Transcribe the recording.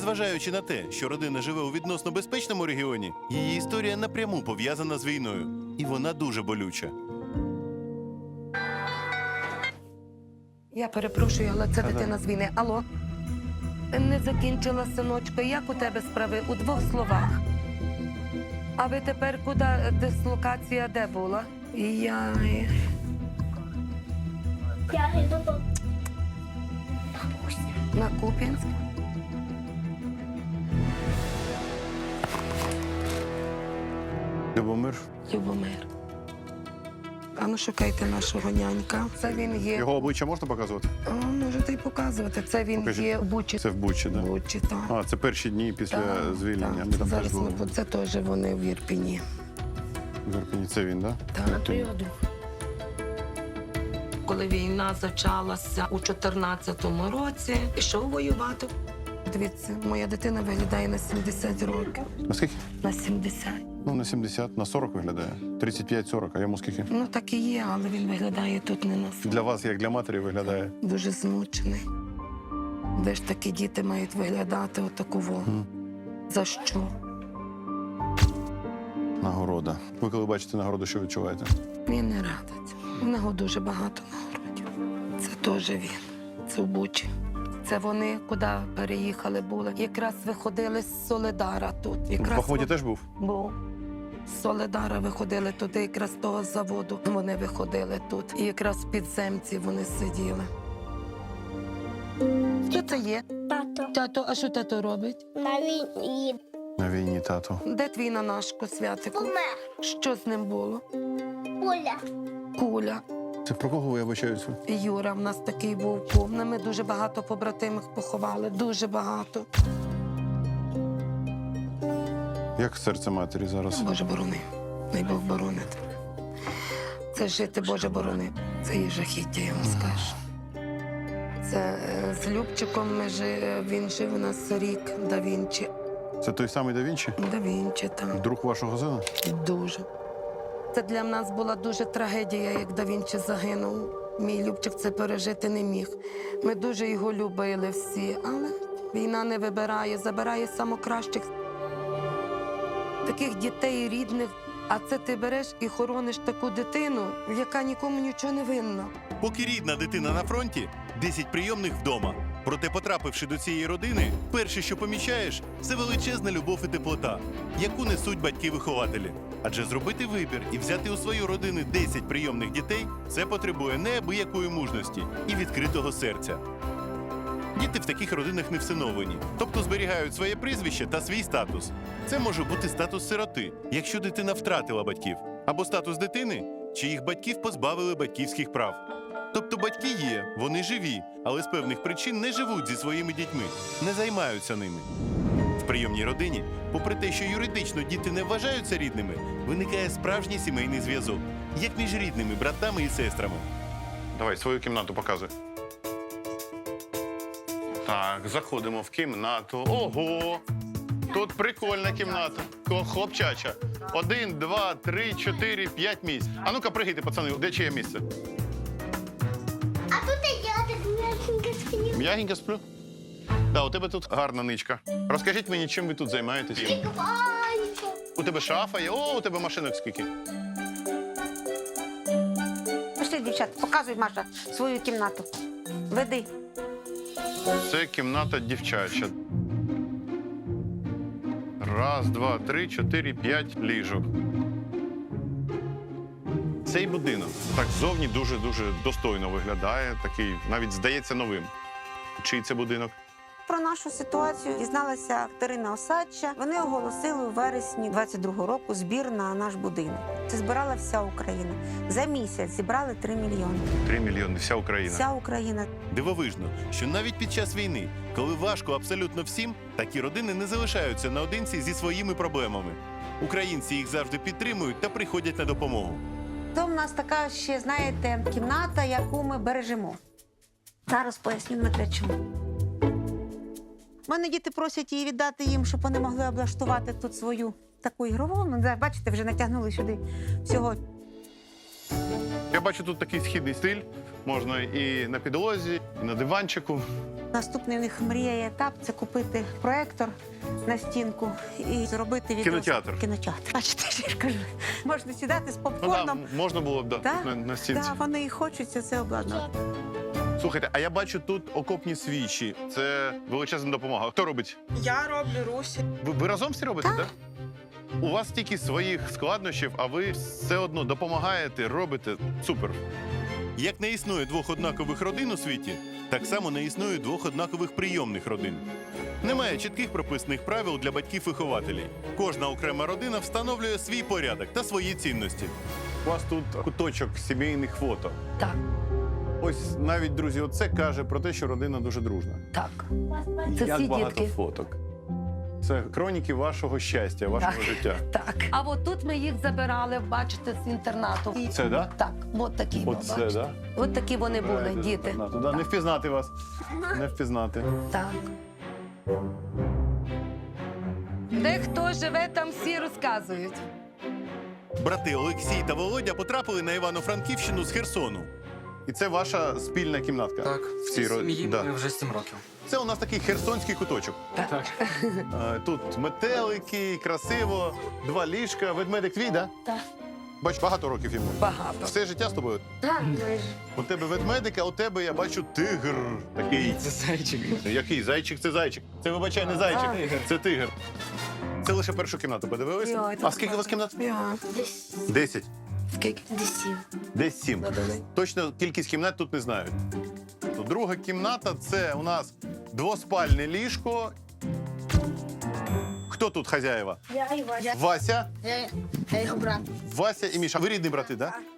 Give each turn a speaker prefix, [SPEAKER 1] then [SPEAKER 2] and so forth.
[SPEAKER 1] Незважаючи на те, що родина живе у відносно безпечному регіоні, її історія напряму пов'язана з війною. І вона дуже болюча.
[SPEAKER 2] Я перепрошую, але це дитина з війни. Алло? Не закінчила, синочко. Як у тебе справи? У двох словах. А ви тепер куди? Дислокація де була? Я
[SPEAKER 3] йду до
[SPEAKER 2] на Куп'янськ.
[SPEAKER 4] Любомир.
[SPEAKER 2] Любомир. А ну шукайте нашого нянька. Це він є.
[SPEAKER 4] Його обличчя можна показувати?
[SPEAKER 2] Можете й показувати. Це він
[SPEAKER 4] Покажіть.
[SPEAKER 2] є в Бучі.
[SPEAKER 4] Це в Бучі, так?
[SPEAKER 2] Бучі, так.
[SPEAKER 4] А, це перші дні після звільнення.
[SPEAKER 2] Так.
[SPEAKER 4] Ми там теж
[SPEAKER 2] Зараз
[SPEAKER 4] були.
[SPEAKER 2] це теж вони в Ірпіні.
[SPEAKER 4] В Ірпені. Це він, так?
[SPEAKER 2] Так. Коли війна почалася у 14-му році, пішов воювати. Дивіться, моя дитина виглядає на 70 років.
[SPEAKER 4] На скільки?
[SPEAKER 2] На 70.
[SPEAKER 4] Ну, на 70, на 40 виглядає. 35-40, а йому скільки?
[SPEAKER 2] Ну так і є, але він виглядає тут не на 40.
[SPEAKER 4] Для вас, як для матері, виглядає.
[SPEAKER 2] Дуже змучений. Де ж такі діти мають виглядати отаково? За що?
[SPEAKER 4] Нагорода. Ви коли бачите нагороду, що відчуваєте?
[SPEAKER 2] Він не радить. У нього дуже багато нагородів. Це теж він. Це в Бучі. Це вони куди переїхали були. Якраз виходили з Соледара тут.
[SPEAKER 4] В
[SPEAKER 2] Якраз
[SPEAKER 4] Бахмуті теж був?
[SPEAKER 2] був. З Соледара виходили туди, якраз з того заводу. Вони виходили тут. І якраз в підземці вони сиділи. Що це є?
[SPEAKER 3] тато.
[SPEAKER 2] Тато, а що тато робить?
[SPEAKER 3] На війні.
[SPEAKER 4] На війні, тато.
[SPEAKER 2] Де твій нанашко, Святику?
[SPEAKER 3] Умер.
[SPEAKER 2] Що з ним було?
[SPEAKER 3] Оля.
[SPEAKER 2] Куля.
[SPEAKER 4] Це про кого ви вибачаюся?
[SPEAKER 2] Юра в нас такий був повний. Ми дуже багато побратимих поховали. Дуже багато.
[SPEAKER 4] Як серце матері зараз?
[SPEAKER 2] Боже борони. Най Бог боронить. Це жити, Боже борони. Це є жахіття, я вам скажу. Це з Любчиком він жив у нас рік, Да Вінчі.
[SPEAKER 4] Це той самий Да Вінчі?
[SPEAKER 2] Да Вінчі, так.
[SPEAKER 4] Друг вашого сина?
[SPEAKER 2] Дуже. Це для нас була дуже трагедія, як Да Вінчі загинув. Мій Любчик це пережити не міг. Ми дуже його любили всі, але війна не вибирає, забирає самокращих. Таких дітей рідних, а це ти береш і хорониш таку дитину, яка нікому нічого не винна.
[SPEAKER 1] Поки рідна дитина на фронті, 10 прийомних вдома. Проте, потрапивши до цієї родини, перше, що помічаєш, це величезна любов і теплота, яку несуть батьки-вихователі. Адже зробити вибір і взяти у свою родину 10 прийомних дітей – це потребує неабиякої мужності і відкритого серця. Діти в таких родинах не всиновлені, тобто зберігають своє прізвище та свій статус. Це може бути статус сироти, якщо дитина втратила батьків, або статус дитини, чиїх батьків позбавили батьківських прав. Тобто батьки є, вони живі, але з певних причин не живуть зі своїми дітьми, не займаються ними. В прийомній родині, попри те, що юридично діти не вважаються рідними, виникає справжній сімейний зв'язок, як між рідними братами і сестрами.
[SPEAKER 4] Давай, свою кімнату показуй. Так, заходимо в кімнату. Ого! Тут прикольна кімната. Хлопчача. 1, 2, 3, 4, 5 місць. А ну-ка, пригайте, пацани, де чиє місце?
[SPEAKER 3] А тут я так м'якенько сплю.
[SPEAKER 4] М'ягенько сплю? Так, у тебе тут гарна ничка. Розкажіть мені, чим ви тут займаєтесь?
[SPEAKER 3] Купаюся.
[SPEAKER 4] У тебе шафа є? О, у тебе машинок скільки?
[SPEAKER 5] Пішли, дівчата, показуй, Маша, свою кімнату. Веди.
[SPEAKER 4] Це кімната дівчача. 1, 2, 3, 4, 5 ліжок. Цей будинок так ззовні дуже-дуже достойно виглядає. Такий, навіть здається, новим. Чий це будинок?
[SPEAKER 5] Про нашу ситуацію дізналася Катерина Осадча. Вони оголосили у вересні 22-го року збір на наш будинок. Це збирала вся Україна. За місяць зібрали 3 мільйони.
[SPEAKER 4] 3 мільйони, вся Україна.
[SPEAKER 5] Вся Україна.
[SPEAKER 1] Дивовижно, що навіть під час війни, коли важко абсолютно всім, такі родини не залишаються наодинці зі своїми проблемами. Українці їх завжди підтримують та приходять на допомогу.
[SPEAKER 5] Це у нас така ще, знаєте, кімната, яку ми бережемо. Зараз поясню, Дмитре, чому. У мене діти просять її віддати їм, щоб вони могли облаштувати тут свою таку ігрову. Ну, бачите, вже натягнули сюди всього.
[SPEAKER 4] Я бачу тут такий східний стиль. Можна і на підлозі, і на диванчику.
[SPEAKER 5] Наступний в них мрія і етап це купити проектор на стінку і зробити відео.
[SPEAKER 4] Кінотеатр.
[SPEAKER 5] Кінотеатр. Бачите, я ж кажу, можна сідати з
[SPEAKER 4] Ну, да,
[SPEAKER 5] попкорном.
[SPEAKER 4] можна було б да,
[SPEAKER 5] Да,
[SPEAKER 4] на стінці.
[SPEAKER 5] да, вони і хочуть це обладнати.
[SPEAKER 4] Слухайте, а я бачу тут окопні свічі. Це величезна допомога. Хто робить?
[SPEAKER 6] Я роблю Русі.
[SPEAKER 4] Ви разом всі робите, так? У вас стільки своїх складнощів, а ви все одно допомагаєте, робите. Супер.
[SPEAKER 1] Як не існує двох однакових родин у світі, так само не існує двох однакових прийомних родин. Немає чітких прописаних правил для батьків-вихователів. Кожна окрема родина встановлює свій порядок та свої цінності.
[SPEAKER 4] У вас тут куточок сімейних фото.
[SPEAKER 2] Так,
[SPEAKER 4] Ось навіть, друзі, оце каже про те, що родина дуже дружна.
[SPEAKER 2] так. Це
[SPEAKER 4] Як
[SPEAKER 2] всі
[SPEAKER 4] багато
[SPEAKER 2] дітки.
[SPEAKER 4] фоток. Це хроніки вашого щастя, вашого
[SPEAKER 2] Так.
[SPEAKER 4] життя.
[SPEAKER 2] Так. А от тут ми їх забирали, бачите, з інтернату.
[SPEAKER 4] Це, да?
[SPEAKER 2] Так, от такі.
[SPEAKER 4] Оце,
[SPEAKER 2] бачите.
[SPEAKER 4] да?
[SPEAKER 2] От такі вони були, діти.
[SPEAKER 4] Да, не впізнати вас. Не впізнати.
[SPEAKER 2] Так. Де хто живе, там всі розказують.
[SPEAKER 1] Брати Олексій та Володя потрапили на Івано-Франківщину з Херсону.
[SPEAKER 4] І це ваша спільна кімнатка?
[SPEAKER 7] Так,
[SPEAKER 4] В
[SPEAKER 7] в
[SPEAKER 4] цій
[SPEAKER 7] цій сім'ї
[SPEAKER 4] да.
[SPEAKER 7] ми вже 7 років.
[SPEAKER 4] Це у нас такий херсонський куточок.
[SPEAKER 7] Так.
[SPEAKER 4] Тут метелики, красиво, 2 ліжка. Ведмедик твій, да?
[SPEAKER 2] Так.
[SPEAKER 4] Бач, багато років йому.
[SPEAKER 2] Багато.
[SPEAKER 4] Все життя з тобою.
[SPEAKER 2] Так,
[SPEAKER 4] У тебе ведмедик, а у тебе я бачу тигр. Такий.
[SPEAKER 7] Це зайчик.
[SPEAKER 4] Який? Зайчик це зайчик. Це, вибачай, не зайчик, це тигр. Це лише першу кімнату подивилися?
[SPEAKER 2] Йой,
[SPEAKER 4] А скільки у вас кімнат?
[SPEAKER 3] Десь
[SPEAKER 4] 10.
[SPEAKER 2] Скільки?
[SPEAKER 3] 10.
[SPEAKER 4] Десь 7. Точно кількість кімнат тут не знають. То друга кімната це у нас двоспальне ліжко. Хто тут хазяєва?
[SPEAKER 3] Я і Вася.
[SPEAKER 4] Вася,
[SPEAKER 3] Я його брат.
[SPEAKER 4] Вася і Міша. Ви рідні брати, так? Да?